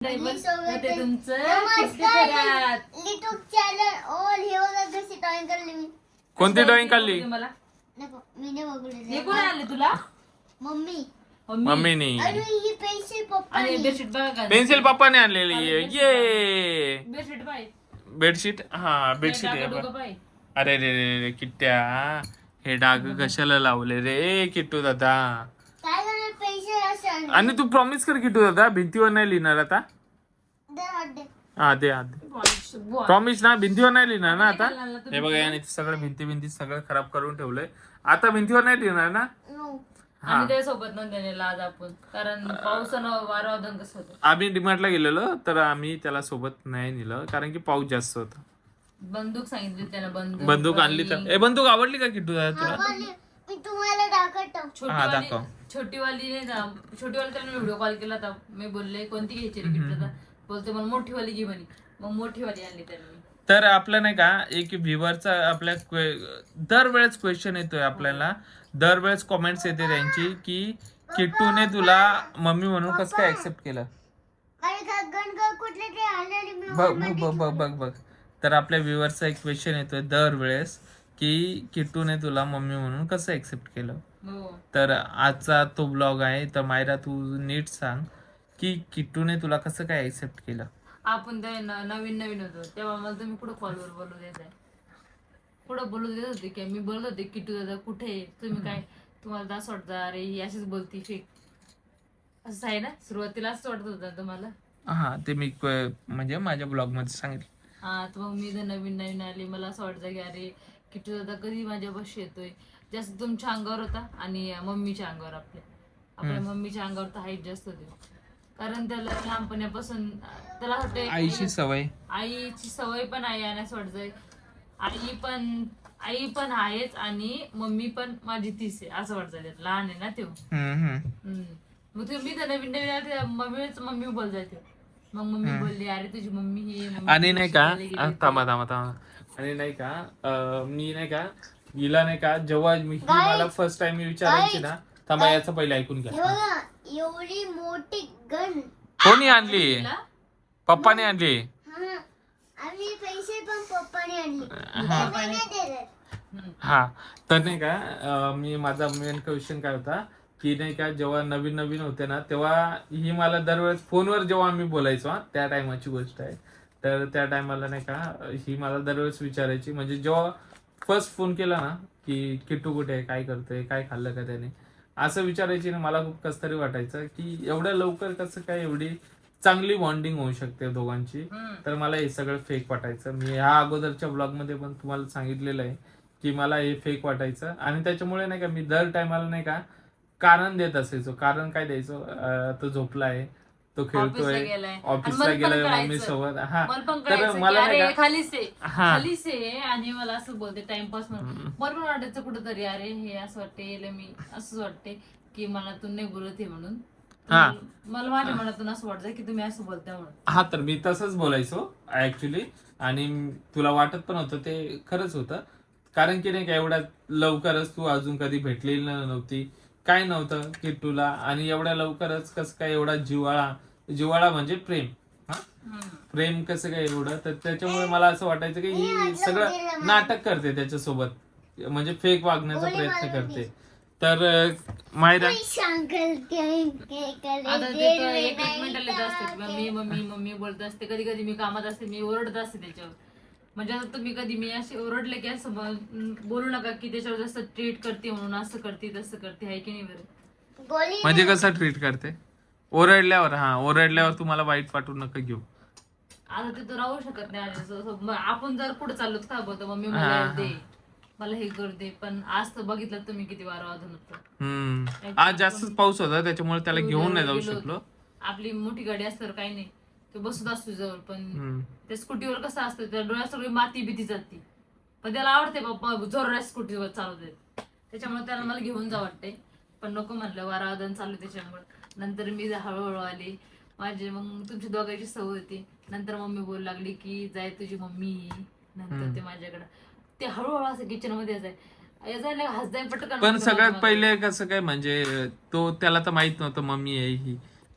ते तुमचं YouTube channel all हे बघा कशी ड्रॉइंग काढली मी. कोणती ड्रॉइंग काढली? मला नको मी नाही बघले. हे कोण आणले तुला? मम्मी मम्मीनी. आणि ही पेन्सिल पप्पा आणि बेडशीट बघा का? पेन्सिल पप्पाने आणलेली आहे. ये बेडशीट पाय बेडशीट. हा बेडशीट आहे बघ. पाय. अरे रे रे रे किट्ट्या, हे डाग कशाला लावले रे किट्टू दादा? काय झालं पेन्सिल असं आणि तू प्रॉमिस कर किट्टू दादा, भिंतीवर नाही लिहिणार आता. दे. हा दे प्रॉमिस ना, भिंतीवर नाही लिहिणार ना आता. हे बघा याने सगळं भिंती सगळं खराब करून ठेवलंय. आता भिंतीवर नाही लिहिणार ना. नो आम्ही त्या सोबत नव्हते आज आपण, कारण पावसानं वारा कसं होतं. आम्ही डिमार्टला गेलेलो तर आम्ही त्याला सोबत नाही नेलं कारण की पाऊस जास्त होता. बंदूक सांगितली त्यानं, बंदूक आणली तर बंदूक आवडली का किट्टू दादा तुला? मी तुम्हाला दाखवतो. दाखव. छोटीवाली नाही का, छोटीवाली त्याला व्हिडिओ कॉल केला होता. मी बोलले कोणती घ्यायची रे गिफ्ट? बोलते मला मोठीवाली घे म्हणे. मग मोठीवाली आणली त्यांनी. तर आपलं नाही का एक व्ह्युअरचा आपल्या दरवेळेस क्वेश्चन येतोय आपल्याला, दरवेळेस कॉमेंट्स येते त्यांची की किट्टूने तुला मम्मी म्हणून कसं काय ऍक्सेप्ट केलं. बघ तर आपल्या व्ह्युअरचा एक क्वेश्चन येतोय दरवेळेस की किट्टूने तुला मम्मी म्हणून कसं ऍक्सेप्ट केलं. तर आजचा तो ब्लॉग आहे. तर मायरा तू नीट सांग की किट्टूने तुला कसं काय ऍक्सेप्ट केलं. आपण ते नवीन होतो तेव्हा मला तुम्ही कुठं कॉलवर बोलू देत आहे, कुठं बोलू देत होते की मी बोलत होते किट्टू दादा कुठे तुम्ही, काय तुम्हाला असं वाटतं अरे ही अशीच बोलती फेक, असं आहे ना. सुरुवातीला असं वाटत होतं तुम्हाला. हा ते मी म्हणजे माझ्या ब्लॉग मध्ये सांगितलं. हा तर मग मी जर नवीन आली मला असं वाटतं की अरे किट्टू दादा कधी माझ्या बशी येतोय. जास्त तुमच्या अंगावर होता आणि मम्मीच्या अंगावर, आपल्या मम्मीच्या अंगावर तर हाईट जास्त होती. कारण त्याला लहानपणापासून त्याला वाटतं आईची सवय पण आहे आणि असं वाटतंय आई पण आहेच आणि मम्मी पण माझी तीच आहे असं वाटतं. त्यात लहान आहे ना तो. मग तुम्ही तर नवीन आले मम्मी बोल जाते. मग मम्मी बोलली अरे तुझी मम्मी ही आणि नाही का थांबा आणि नाही का मी नाही का हिला नाही का जेव्हा मला फर्स्ट टाइम मी विचारायची ना, थांबा याचं पहिले ऐकून घ्या. एवढी मोठी गन कोणी आणली? पप्पाने आणली. आणि पैसे पण पप्पाने आणले. हा तर नाही का मी माझा मेन क्वेश्चन काय होता की नाही का जेव्हा नवीन होते ना तेव्हा ही मला दरवेळेस फोनवर जेव्हा आम्ही बोलायचो, त्या टायमाची गोष्ट आहे. तर त्या टायमाला नाही का ही मला दरवेळेस विचारायची, म्हणजे जेव्हा फर्स्ट फोन केला ना की किट्टू कुठे आहे, काय करतोय, काय खाल्लं का त्याने, असं विचारायची ना. मला खूप कसं तरी वाटायचं की एवढ्या लवकर कसं काय एवढी चांगली बॉन्डिंग होऊ शकते दोघांची. तर मला हे सगळं फेक वाटायचं. मी ह्या अगोदरच्या ब्लॉग मध्ये पण तुम्हाला सांगितलेलं आहे की मला हे फेक वाटायचं आणि त्याच्यामुळे नाही का मी दर टायमाला नाही का कारण देत असायचो. कारण काय द्यायचो, तो झोपला आहे, तो खेळतोय, ऑफिसला गेलाय मम्मी सोबत. हा तर मला खालीच आहे आणि मला असं बोलते टाइमपास म्हणून. मला पण वाटायचं कुठंतरी अरे हे असं वाटते मी असंच वाटते की मला तू नाही बोलत आहे म्हणून. मला माझ्या मनातून असं वाटतं की तुम्ही असं बोलता म्हणून. हा तर मी तसंच बोलायचो ऍक्च्युली आणि तुला वाटत पण होतं ते खरंच होतं. कारण की नाही का एवढ्या लवकरच तू अजून कधी भेटलेली नव्हती, काय नव्हतं की तुला, आणि एवढ्या लवकरच कसं काय एवढा जिव्हाळा म्हणजे प्रेम कसं काय एवढं. तर त्याच्यामुळे मला असं वाटायचं की ही सगळं नाटक करते त्याच्यासोबत, म्हणजे फेक वागण्याचा प्रयत्न करते. तर मायरा मम्मी बोलत असते, कधी मी कामात असते, मी ओरडत असते त्याच्यावर. म्हणजे आता तुम्ही कधी मी असे ओरडले की असं बोलू नका की त्याच्यावर जास्त ट्रीट करते म्हणून असं करते तसं करते, आहे की नाही बरं. म्हणजे कसं ट्रीट करते ओरडल्यावर तुम्हाला वाईट वाटून नका घेऊ. आता ते तर राहू शकत नाही. आपण जर पुढे चाललो काय बोलतो मम्मी मला दे, मला हे करू दे, पण आज तर बघितलं तुम्ही किती वारा वाजून होतं. आज जास्तच पाऊस होता त्याच्यामुळे त्याला घेऊन नाही जाऊ शकलो. आपली मोठी गाडी असतं काही नाही, तो बसत असतो जवळ, पण त्या स्कूटीवर कसं असतं त्या डोळ्यात सगळी माती भीती जाते, पण त्याला आवडते बाप्पा जोरात स्कूटीवर चालवते, त्याच्यामुळे त्याला मला घेऊन जा वाटते. पण नको म्हणलं वारावादन चालू त्याच्यामुळे. नंतर मी हळूहळू आली माझे, मग तुमची दोघांची सवय होती. नंतर मम्मी बोलू लागली की जाय तुझी मम्मी, नंतर ते माझ्याकडे ते हळूहळू असं किचन मध्ये जाय हसदाय पटकन. पण सगळ्यात पहिले कसं काय म्हणजे तो त्याला तर माहित नव्हतं मम्मी आहे ही,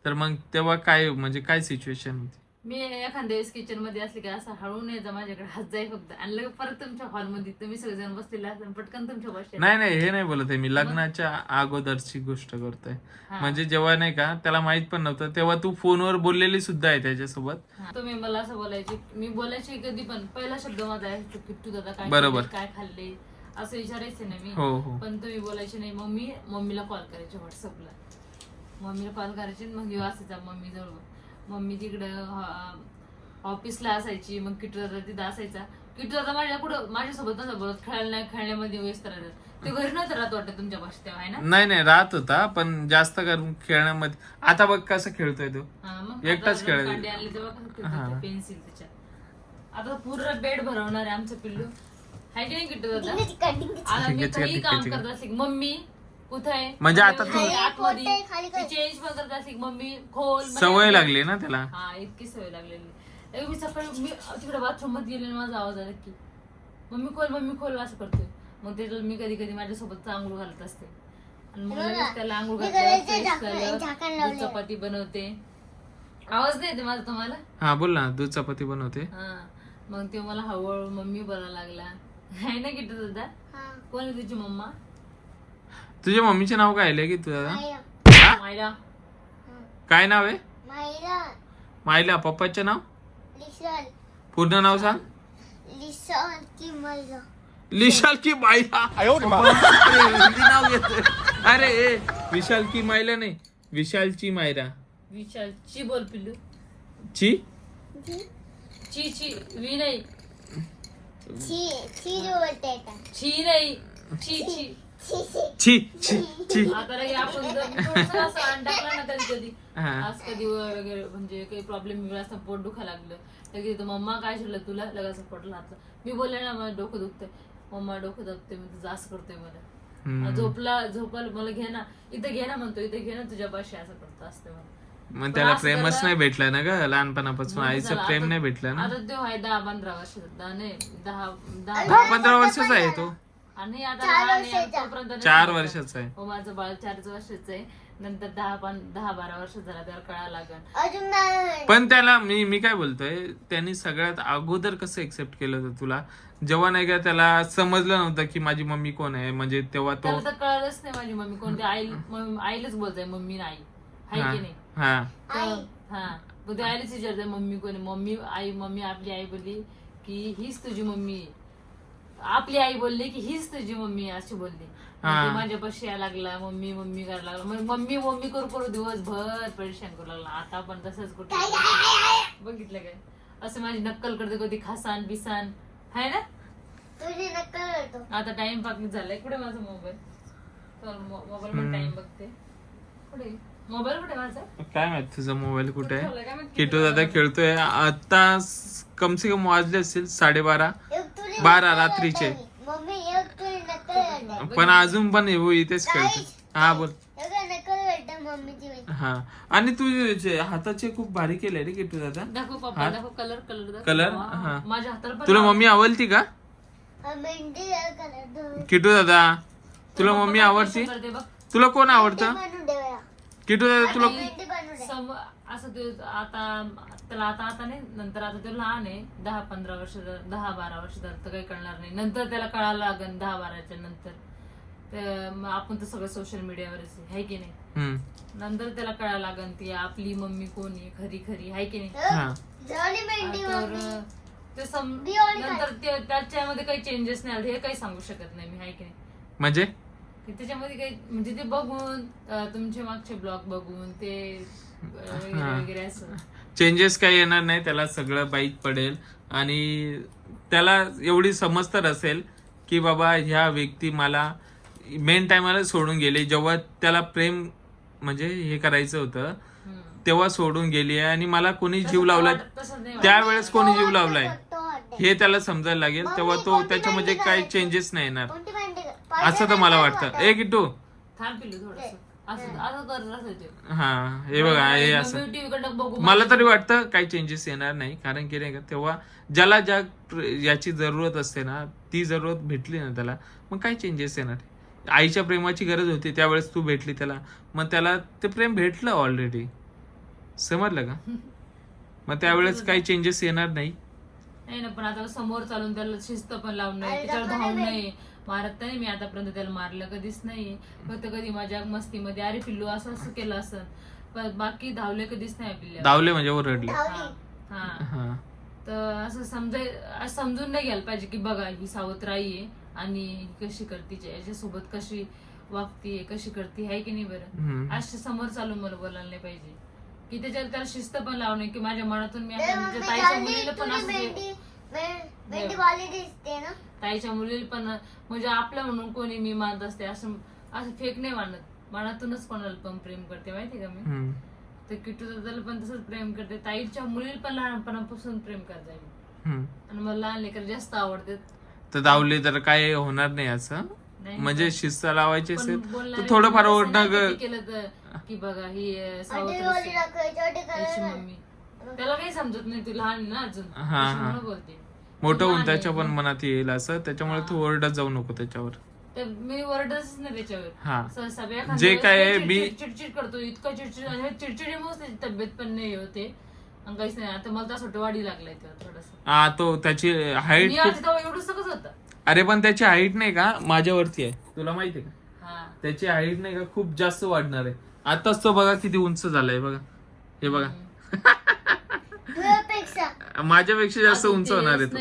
तर मग तेव्हा काय म्हणजे काय सिच्युएशन होती? मी एखाद्या वेळेस किचन मध्ये असले की असं हळून यायचा माझ्याकडे हात जाई फक्त आणि लगेच परत तुमच्या हॉलमध्ये तुम्ही सगळेजण बसलेले असताना पटकन तुमच्या बसले. नाही हे नाही बोलत आहे मी, लग्नाच्या अगोदरची गोष्ट करतोय. म्हणजे जेव्हा नाही का त्याला माहित पण नव्हतं तेव्हा तू फोनवर बोललेली सुद्धा आहे त्याच्यासोबत. तुम्ही मला असं बोलायची, मी बोलायची कधी पण पहिला शब्द माझा आहे किट्टू दादा काय बरोबर. खाल्ले, काय खाल्ले असं विचारायचं ना मी. हो. पण तुम्ही बोलायचे नाही. मग मी मम्मीला कॉल करायचे व्हॉट्सअपला, मम्मीला कॉल करायचे मग येऊ असायचा मम्मी जवळ. मम्मी तिकडं ऑफिसला असायची, मग किट्टू दादा तिथं असायचा. किट्टू दादा माझ्यासोबत नव्हता बोलत, खेळण्यामध्ये व्यस्त राहतात. ते घरी नव्हतं राहत वाटतं तुमच्या भाषेत तेव्हा, आहे ना? नाही राहत होता पण जास्त करून खेळण्यामध्ये. आता बघ कसं खेळतोय तो, एकटाच खेळत. पेन्सिल त्याच्यात. आता पूर्ण बेड भरवणार आहे आमचं पिल्लू, आहे की नाही किट्टू दादा? आता मी काही काम करत असेल मम्मी कुठे आहे म्हणजे आता तू आतमध्ये चेंज पण करत असेल मम्मी खोल. सवय लागली ना त्याला. हा इतकी सवय लागलेली. मी सकाळी मी तिकडे बाथरूम मध्ये गेले माझा आवाज आला की मम्मी खोल असं करतोय. मग त्याला मी कधी कधी माझ्यासोबत आंघोळ घालत असते आणि मग लगेच त्याला आंघोळ घालते, चपाती बनवते. आवाज नाही येते माझा तुम्हाला? हा बोल ना, दूध चपाती बनवते. हा मग ते मला हळूहळू मम्मी बोलायला लागला, आहे ना किट्टू दादा? कोण आहे तुझी मम्मा? तुझ्या मम्मीचे नाव काय आहे की तुझा? मायरा. काय नाव आहे? मायला. पप्पाचे नाव? पूर्ण नाव सांग. विशाल की मायला. नाव घेतोय. अरे विशाल की मायला नाही, विशालची मायरा. विशालची बोल पिल्लू. ची ची वी नाही, छी नाही, छी. आता लगे आपण जर असं अंड टाकला ना कधी आज कधी वगैरे म्हणजे काही प्रॉब्लेम वेगळा असता, पोट दुखा लागलं लगेच मम्मा काय शिरलं तुला, लगेच पोट लागलं. मी बोलले ना मला डोकं दुखतंय, मम्मा डोकं दुखते, मी तुझं असं करतोय मला. झोपायला मला घे ना इथं, घे ना म्हणतो, इथं घे ना तुझ्या पाशी, असं करतो असते मला. मग त्याला प्रेमच नाही भेटलं ना ग लहानपणापासून, आईचं प्रेम नाही भेटलं ना. आता तो आहे 10-15 वर्षाचा, नाही 10-15 वर्षाचा आहे तो. आणि आता 4 वर्षाचा आहे. हो माझं बाळ 4 वर्षाचं आहे. नंतर 10-12 वर्ष झाला त्याला कळायला लागल. पण त्याला मी काय बोलतोय, त्यांनी सगळ्यात अगोदर कसं एक्सेप्ट केलं होतं तुला, जेव्हा नाही का त्याला समजलं नव्हतं की माझी मम्मी कोण आहे, म्हणजे तेव्हा तो कळलंच नाही माझी मम्मी कोणती. आईलाच बोलताय मम्मी नाही, आहे की नाही? हा ते आईलाच विचारताय मम्मी कोण आहे. मम्मी आपली आई बोलली की हीच तुझी मम्मी, आपली आई बोलली की हीच तुझी मम्मी, अशी बोलली. माझ्यापाशी यायला लागला, मम्मी करायला लागला. मम्मी करू दिवसभर परेशान करू लागला. आता पण तसंच कुठे बघितलं काय, असं माझी नक्कल करते कधी, खासान बिसान, आहे ना? तुझी नक्कल करतो. आता टाइम पाकिंग झालाय. कुठे माझा मोबाईल? मोबाईल मध्ये टाइम बघते. कुठे मोबाईल, कुठे माझा? काय माहित तुझा मोबाईल कुठे आहे. किटू दादा खेळतोय. आता कम से कम वाजले असतील 12:30 रात्रीचे, पण अजून पण इथेच खेळतो. हा बोल. हा आणि तुझे हाताचे खूप भारी केले रे किटू दादा. दाखव पप्पा, दाखव कलर. कलर माझ्या हाताला तुला मम्मी आवडती का किटू दादा? तुला मम्मी आवडती? तुला कोण आवडतं किटू दादा? तुला असं ते आता त्याला आता नाही, नंतर आता तो लहान आहे, 10-15 वर्ष 10-12 वर्ष तर काही कळणार नाही. नंतर त्याला कळायला लागेल 10-12च्या नंतर. आपण तर सगळं सोशल मीडियावरच आहे की नाही. नंतर त्याला कळायला लागेल ती आपली मम्मी कोण आहे खरी, आहे की नाही? तर नंतर त्याच्यामध्ये काही चेंजेस नाही आले हे काही सांगू शकत नाही मी, आहे की नाही? म्हणजे त्याच्यामध्ये काही म्हणजे ते बघून तुमचे मागचे ब्लॉग बघून ते वगैरे असं चेंजेस काही येणार नाही. त्याला सगळं बाईक पडेल आणि त्याला एवढी समज तर असेल की बाबा ह्या व्यक्ती मला मेन टायमाला सोडून गेले, जेव्हा त्याला प्रेम म्हणजे हे करायचं होतं तेव्हा सोडून गेली आहे आणि मला कोणी जीव लावलाय त्यावेळेस कोणी जीव लावलाय हे त्याला समजायला लागेल, तेव्हा तो त्याच्यामध्ये काही चेंजेस नाही येणार असं तर मला वाटतं. ए किट्टू थांब पिल्लू थोडंसं. हा हे बघा हे असं मला तरी वाटतं काही चेंजेस येणार नाही, कारण की नाही का तेव्हा ज्याला याची जरूरत असते ना ती जरूरत भेटली ना त्याला, मग काय चेंजेस येणार. आईच्या प्रेमाची गरज होती त्यावेळेस तू भेटली त्याला, मग त्याला ते प्रेम भेटलं ऑलरेडी. समजलं का? मग त्यावेळेस काही चेंजेस येणार नाही. नाही ना, पण आता समोर चालून त्याला शिस्त पण लावून नाही, त्याच्यावर धावून नाही मारत नाही मी आतापर्यंत, त्याला मारलं कधीच नाही. फक्त कधी माझ्या मस्तीमध्ये अरे पिल्लू असं असं केलं असं, पण बाकी धावले कधीच नाही पिल्ल्या. धावले म्हणजे ओरडले. हा, हा. तर असं समजून नाही घ्यायला पाहिजे की बघा ही सावत्राई आहे आणि कशी करते, याच्यासोबत कशी वागते, कशी करते, आहे की नाही बरं. असे समोर चालून मला बोलायला नाही पाहिजे की त्याला शिस्त पण लावणे की माझ्या मनातून मी म्हणजे ताईच्या मुलीला पण असं ताईच्या मुलीला पण म्हणजे आपलं म्हणून कोणी मी मानत असते असं फेक नाही मानत, मनातूनच कोणाला पण प्रेम करते माहिती का मी. तर किट्टू दादाला पण तसंच प्रेम करते, ताईच्या मुलीला पण लहानपणापासून प्रेम करते मी. आणि मला लहान लेकर जास्त आवडते. तर धावले तर काय होणार नाही असं, म्हणजे शिस्त लावायची असेल तर थोडंफार ओरडणं केलं तर की बघा ही सावत्राची मम्मी, त्याला काही समजत नाही, तू लहान ना अजून म्हणून बोलते. मोठं होऊन त्याच्या पण मनात येईल असं, त्याच्यामुळे तू ओरडत जाऊ नको त्याच्यावर. तर मी ओरडतच नाही त्याच्यावर. सगळ्या जे काय चिडचिड करतो, इतकं चिडचिड आणि चिडचिडीमुळे त्याची तब्येत पण नाही होते आणि काहीच नाही. आता मला असं वाढी लागलाय तेव्हा थोडस. तो त्याची हाईट एवढं सगळंच होतं. अरे पण त्याची हाईट नाही का माझ्यावरती आहे, तुला माहिती आहे का? त्याची हाईट नाही का खूप जास्त वाढणार आहे. आताच तो बघा किती उंच झालाय बघा, हे बघा. माझ्यापेक्षा जास्त उंच होणार आहे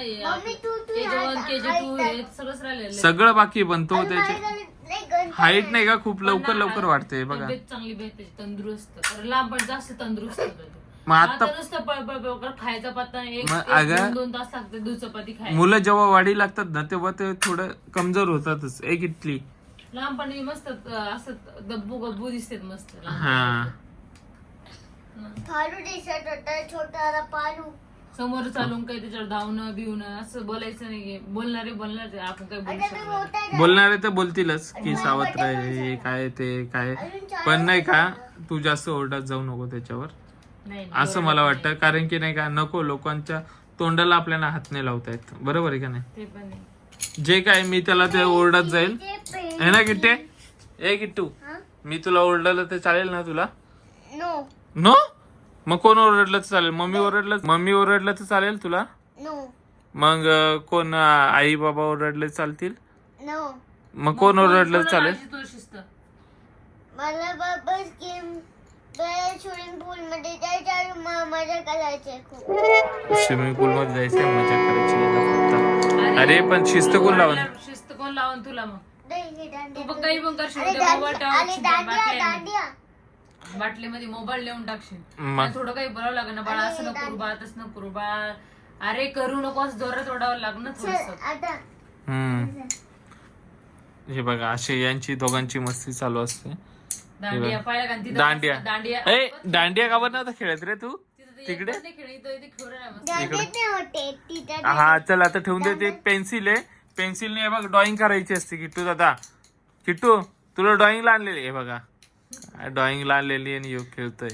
तो. सगळं बाकी, पण तो त्याची हाईट नाही का खूप लवकर वाढते बघा. चांगली भेटते, तंदुरुस्त, लांब पण जास्त तंदुरुस्त होतो. मग आता नुसतं पळपळ खायचा पत्ता एक 2 तास लागते दूध चपाती खायला. मुलं जेव्हा वाढी लागतात ना तेव्हा ते थोडं कमजोर होतातच. एक इटली लहानपणी मस्त असं गब्बू गब्बू दिसतात मस्त. छोटा पालू समोर चालून काही त्याच्यावर धावणं बिवणं असं बोलायचं नाही. बोलणारे आपण काही बोलू शकतो. बोलणारे तर बोलतीलच की सावत्र आहे काय ते काय, पण नाही का तू जास्त ओरडत जाऊ नको त्याच्यावर असं मला वाटतं. कारण की नाही का नको लोकांच्या तोंडाला आपल्याला हात नाही लावता येत, बरोबर आहे का नाही? ते पण नाही. जे काय मी त्याला ते ओरडत जाईल है ना किट्टे. ए किट्टू, मी तुला ओरडलं तर चालेल ना तुला? नो. मग कोण ओरडलं तर चालेल? मम्मी ओरडलं तर चालेल तुला? मग कोण आई बाबा ओरडले चालतील? मग कोण ओरडलं चालेल? मला बाबा स्विमिंग पूल मध्ये जायचं, मजा करायची खूप. स्विमिंग पूल मध्ये जायचं मजा करायची. अरे पण शिस्त कोण लावून तुला? मग तू पण काही पण करशील, बाटलीमध्ये मोबाईल लिहून टाकशील, थोडं काही बोलावं लागेल ना, बाळा असं नको करू, बाळा तसं नको करू, बाळा अरे करू नको असं जोरात ओढावं लागलं थोडस. हे बघा अशी यांची दोघांची मस्ती चालू असते. दांडिया दांडिया का बरं नव्हता खेळत रे तू तिकडे? हा चल आता ठेवून दे. ते पेन्सिल आहे, पेन्सिलने बघ ड्रॉइंग करायची असते. किट्टू दादा, किट्टू तुला ड्रॉइंगला आणलेली आहे बघा, ड्रॉइंगला आणलेली आणि योग खेळतोय.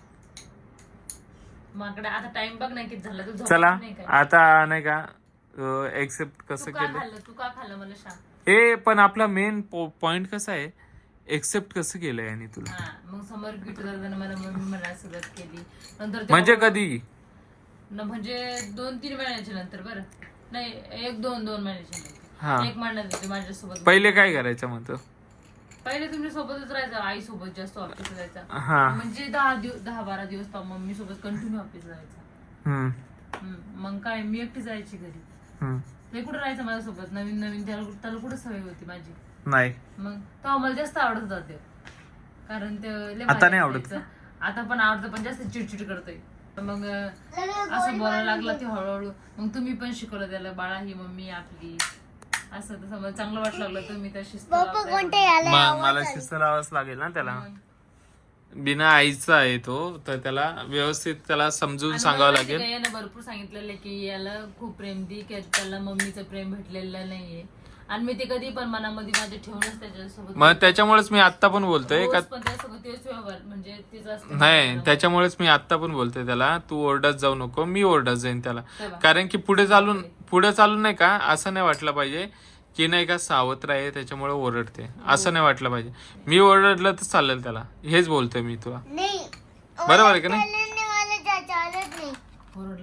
आता टाइम बघ नाही किती झाला. चला आता नाही का एक्सेप्ट कसं केलं तू का खाल्लं मला सांग. हे पण आपला मेन पॉइंट कसा आहे, एक्सेप्ट कसं केलंय आणि तुला? मग समोर किट्टू दादाने मला मम्मी म्हणायला सुरुवात केली. नंतर म्हणजे कधी? म्हणजे 2-3 महिन्याच्या नंतर. बरं नाही 1-2 महिन्याच्या नंतर. 1 महिन्यात माझ्यासोबत. पहिले काय करायचं म्हणतो? पहिले तुमच्या सोबतच राहायचं, आई सोबत जास्त ऑफिसला जायचा. म्हणजे 10-12 दिवस मम्मी सोबत कंटिन्यू ऑफिसला जायचा. मग काय मी एकटी जायची घरी. ते कुठं राहायचं माझ्यासोबत, नवीन त्याला कुठं सवय होती माझी नाही. मग तो मला जास्त आवडत जाते, कारण ते आता नाही आवडत. आता पण आवडतं, पण जास्त चिडचिड करतोय. मग असं बोलायला लागला ते हळूहळू. मग तुम्ही पण शिकवलं त्याला, बाळा ही मम्मी आपली, असं तसं मला चांगलं वाटलं लागलं. तुम्ही तर शिस्त मला शिस्त लावाच लागेल ना त्याला. बिना आईचा आहे तो, तर त्याला व्यवस्थित त्याला समजून सांगावं लागेल. यानं भरपूर सांगितलेलं की याला खूप प्रेम दे, की त्याला मम्मीचं प्रेम भेटलेलं नाहीये, आणि मी ते कधी पण मनामध्ये माझे ठेवूनच त्याच्यासोबत. मग त्याच्यामुळेच मी आता पण बोलतोय का म्हणजे नाही, त्याच्यामुळेच मी आता पण बोलतोय त्याला तू ओरडत जाऊ नको, मी ओरडत जाईन त्याला. कारण की पुढे चालून नाही का असं नाही वाटलं पाहिजे की नाही का सावत्र आहे त्याच्यामुळे ओरडते, असं नाही वाटलं पाहिजे. मी ओरडलं तर चालेल त्याला, हेच बोलतोय मी तुला. बरोबर आहे का नाही?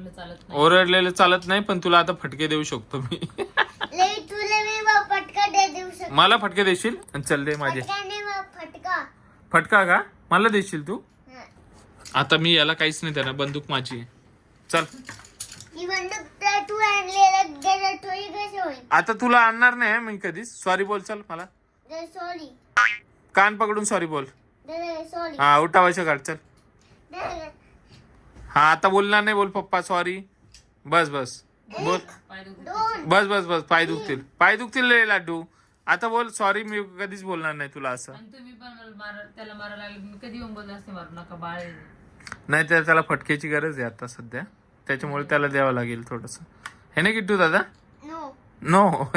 ओरडलेलं चालत नाही. ओरडलेलं चालत नाही, पण तुला आता फटके देऊ शकतो मी. तुला मी फटका देऊ शकतो. मला फटके देशील? चल दे माझे. फटका फटका का मला देशील तू? हा. आता मी याला काहीच नाही देणार, बंदूक माझी आहे. चल ही बंदूक तर तू आणलेला थोडी कशी होईल? आता तुला आणणार नाही मी कधीच. सॉरी बोल चल मला. सॉरी कान पकडून सॉरी बोल. सॉरी. हा उठावायचं काढ चल. हा आता बोलणार नाही, बोल पप्पा सॉरी. बस बस बोल. पाय दुखत. दोन. बस बस बस पाय दुखतील, पाय दुखतील रे लाडू. आता बोल सॉरी, मी कधीच बोलणार नाही तुला असं. आणि तुम्ही पण त्याला मारायला लागले, मी कधी येऊन बोलत असते मारू नका बाळ आहे. नाही तर त्याला फटक्याची गरज आहे आता सध्या, त्याच्यामुळे त्याला द्यावं लागेल थोडस. हे नाही किट्टू दादा? नो. नो.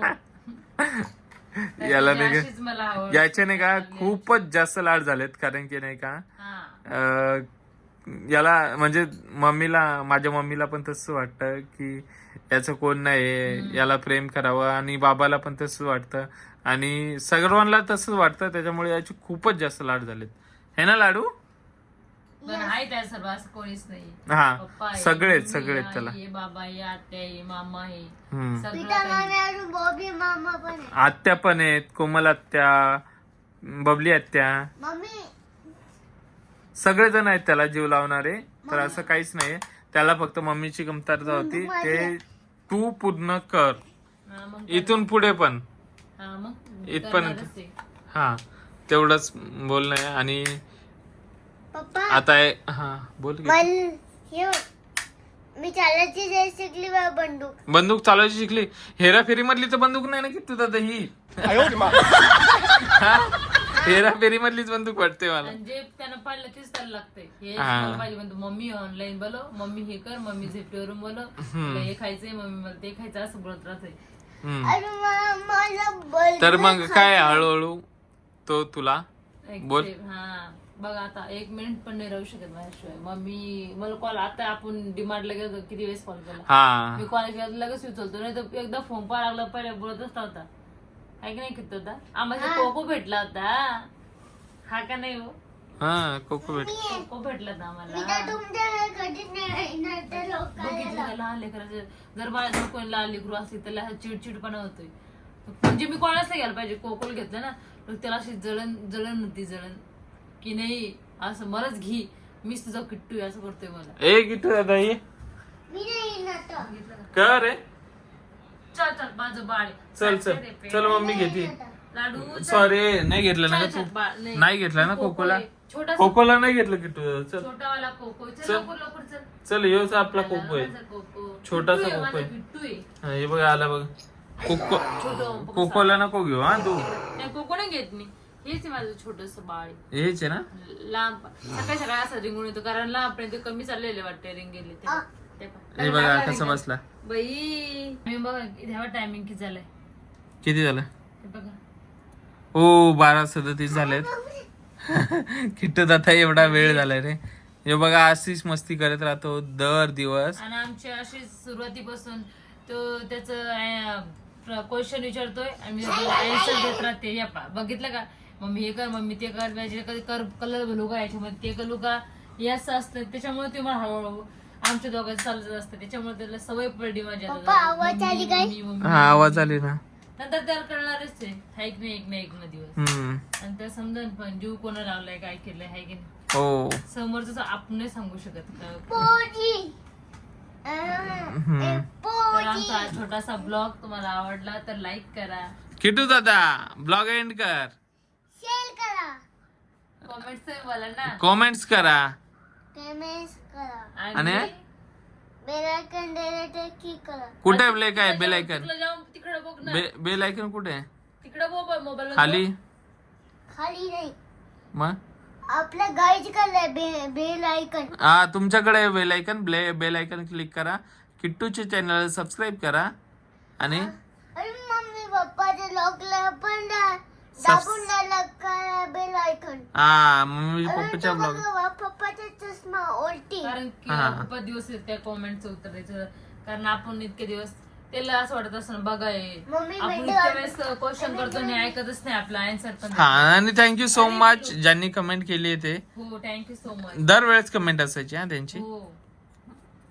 याला नाही का, अशीच मला आवड. याचे नाही का खूपच जास्त लाड झालेत, कारण की नाही का हा. याला म्हणजे माझ्या मम्मीला पण तसं वाटतं की याचं कोण नाही, याला प्रेम करावं, आणि बाबाला पण तसंच वाटतं, आणि सर्वांना तसंच वाटतं. त्याच्यामुळे याचे खूपच जास्त लाड झालेत, हे ना लाडू? पण आहे त्या सर्व, असं कोणीच नाही. हा पप्पा आहे, सगळेच मम्मी सगळेच आहे, त्याला. हे बाबा आहे, आत्या आहे, मामा आहे, हम्म. सगळं पिता काही. मामी आणि बॉबी मामा पण आहे. आत्या पण आहेत, कोमल आत्या, बबली आत्या, मम्मी सगळेजण आहेत त्याला जीव लावणारे. तर असं काहीच नाही, त्याला फक्त मम्मीची कमतरता होती, ते तू पूर्ण कर हा, मग इथून पुढे पण. हा, मग इथपर्यंत. करणारच आहे. हा तेवढंच बोलणं आहे. आणि पप्पा आता हा बोल की. मी चालायची जाय शिकली बा बंदूक. बंदूक चालवायची शिकली? हेराफेरी मधली तर बंदूक नाही ना की तू दादा ही? हेराफेरी मधलीच बंदूक वाटते मला. आणि जे त्यांना पाडलं तेच त्याला लागतंय. हे हा. मला पाहिजे म्हणतो, मम्मी ऑनलाईन बोलव, मम्मी हे कर, मम्मी झेपटीवरून बोलव, तुला हे खायचंय, मम्मी मला ते खायचं, असं बोलत राहतंय. हम्म. अरे मला बर्गर तर मग काय हळूहळू तो तुला बोल. हा बघ आता 1 मिनिट पण नाही राहू शकत माझ्याशिवाय. मम्मी मला कॉल, आता आपण डिमांडला गेलो किती वेळेस कॉल केला, हा मी कॉल केला लगेच उचलतो, नाही तर एकदा फोन पाहा लागला, पहिले बोलतच नव्हता. आहे की नाही किती होता? आम्हाला कोको भेटला होता, हा का नाही हो? हा कोको भेट. कोको भेटला होता मी आम्हाला. तर तुमच्या कधीच नाही येणार तर बघितलं लोकांना. का लहान लेकराचं, जर माझ्या कोणी लहान लेकरू असली त्याला चिडचिडपणा होतोय. म्हणजे मी कोणाच नाही घ्यायला पाहिजे, कोकोल घेतलं ना तर त्याला अशी जळण होती, जळण की नाही असं मलाच घी, मीच तुझा किट्टू आहे असं करतोय मला. ए किट्टू दादा ये मी नाही येणार तर. बघितलं का? कर रे. चल चल माझं बाळ आहे. चल चल चल मम्मी घेते. लाडू चल. सॉरी नाही घेतलं ना चल, का चल, तू? बाळ, नाही घेतला ना कोको कोकोला? आहे. छोटासा कोकोला नाही घेतलं किट्टू दादा. चल छोटावाला कोको. चल चल. लवकर लवकर चल. चल योच आपला कोको आहे. माझा कोको. छोटासा किट्टू आहे, कोको आहे. माझा किट्टू आहे. हा, हे बघ आला बघ कोको. छोटं कोकोला नको घेऊ हा तू. नाही कोको नाही घेत मी, हेच आहे माझं छोटस बाळ आहे. हेच आहे ना? लांब सकाळी सकाळी असं रिंगून येतो, कारण लांबपर्यंत कमी चाललेले वाटते रिंगेले ते. ते पहा. हे बघा कसा बसला. बाई मी बघा ह्यावर टायमिंग किती झालंय किती झालं? ते बघा. ओ 12:37 झालेत. किट्टू दादा एवढा वेळ झालाय रे. हे बघा अशीच मस्ती करत राहतो दर दिवस. आणि आमची अशी सुरुवातीपासून तो त्याचं क्वेश्चन विचारतोय आणि मी आन्सर देत राहते. या पहा बघितलं का, मम्मी हे कर, मम्मी ते कर, कधी कर कलर घालू का याच्यामध्ये, ते घालू का, हे असं असतं. त्याच्यामुळे ते मला हळूहळू आमच्या दोघांचं चालत असतं, त्याच्यामुळे त्याला सवय पडली माझ्या. पप्पा, आवाज आली काय? हा आवाज आली ना. नंतर त्याला कळणारच आहे, हाय की नाही, एक ना एक ना दिवस. हम्म. आणि त्या समजून पण जीव कोणा लावलाय, काय केलंय, हाय की नाही. हो. समोरच आपण नाही सांगू शकत का. पोजी. तर आमचा हा छोटासा ब्लॉग तुम्हाला आवडला तर लाईक करा, किट्टू दादा ब्लॉग एंड कर, शेअर करा, कॉमेंट्स बोला ना, कॉमेंट्स करा, कमेंट्स करा आणि बेल आयकॉन द्यायला क्लिक करा. कुठे ब्ले काय बेल आयकन? तिकडे बघ ना, बेल आयकन कुठे आहे? तिकडे बघ मोबाईल खाली? खाली नाही, मग आपल्या गाईच करा बेल आयकॉन. हा तुमच्याकडे bell icon, bell icon click करा, किट्टूचे चॅनल सबस्क्राईब करा आणि अरे मम्मी पप्पाच्या लॉकला पण दाबून द्यायला करा बेल आयकॉन. हा मम्मी पप्पाच्या ब्लॉग. पप्पाचा चष्मा उलटी. कारण की हा. खूप दिवस आहेत त्या कॉमेंटचं उत्तर द्यायचं, कारण आपण इतके दिवस त्याला असं वाटत असं बघा मम्मी आपण भेटू इतक्या वेळेस क्वेश्चन करतो आणि ऐकतच नाही आपला आन्सर पण. हा आणि थँक्यू सो मच ज्यांनी कमेंट केली आहे ते. हो थँक्यू सो मच. दरवेळेस कमेंट असायची हा त्यांची. हो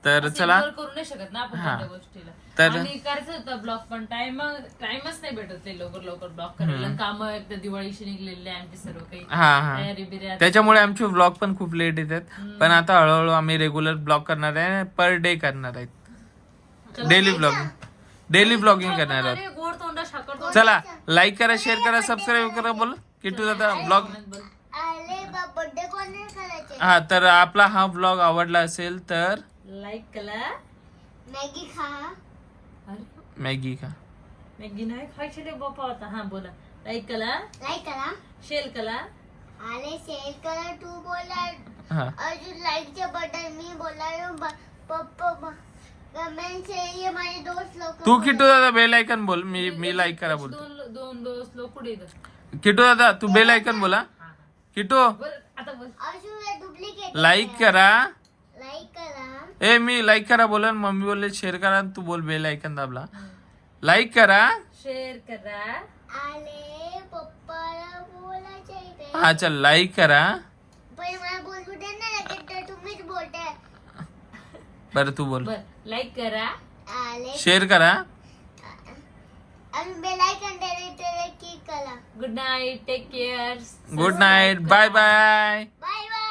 तर असं चला ignore करू नाही शकत ना आपण हा. कोणत्या गोष्टीला. तर- आणि करायचं होतं ब्लॉग पण टाइमच नाही भेटत ते लवकर ब्लॉग करायला. काम एकदा दिवाळीशी निघलेले आमचे सर्व काही हा तयारी बिर्या. त्याच्यामुळे आमचे व्लॉग पण खूप लेट येतात. पण आता हळूहळू आम्ही रेग्युलर ब्लॉग करणार आहे, पर डे करणार आहेत, डेली ब्लॉगिंग करणार आहोत. अरे, गोड तोंडा साखर तोंडा. चला लाईक करा, शेअर करा, सबस्क्राईब करा. बोल किट्टू दादा ब्लॉग. आले बर्थडे कोणी करायचे हा, तर आपला हा ब्लॉग आवडला असेल तर लाईक करा. मॅगी खा अरे, मॅगी का मॅगी नाही खायची रे बापा आता. हा बोला. लाईक करा, लाईक करा शेअर करा. आले शेअर करा तू बोला हा अजून लाईकचे बटन मी बोला पप्पा कमेंट ये माझे दोस्त लोक तू किट्टू दादा बेल आयकन बोल. मी लाईक करा बोलतो. दोन दोस्त लोक पुढे येतात. किट्टू दादा तू बेल आयकन बोला. किट्टू बोल आता बोल. अजून डुप्लिकेट लाईक करा. लाईक करा मी लाईक करा बोला. मम्मी बोलले शेअर करा, तू बोल बेल आयकन दाबला. लाईक करा. शेअर करा. आले पप्पाला बोलायचे हा चल लाईक करा. पण मला बोलू दे ना लगेच तर तुम्हीच बोलताय बरं तू बोल. बर लाईक करा. आले शेअर करा. आणि बेल आयकॉन क्लिक करा good night. Take care. Good night. Bye bye. Bye bye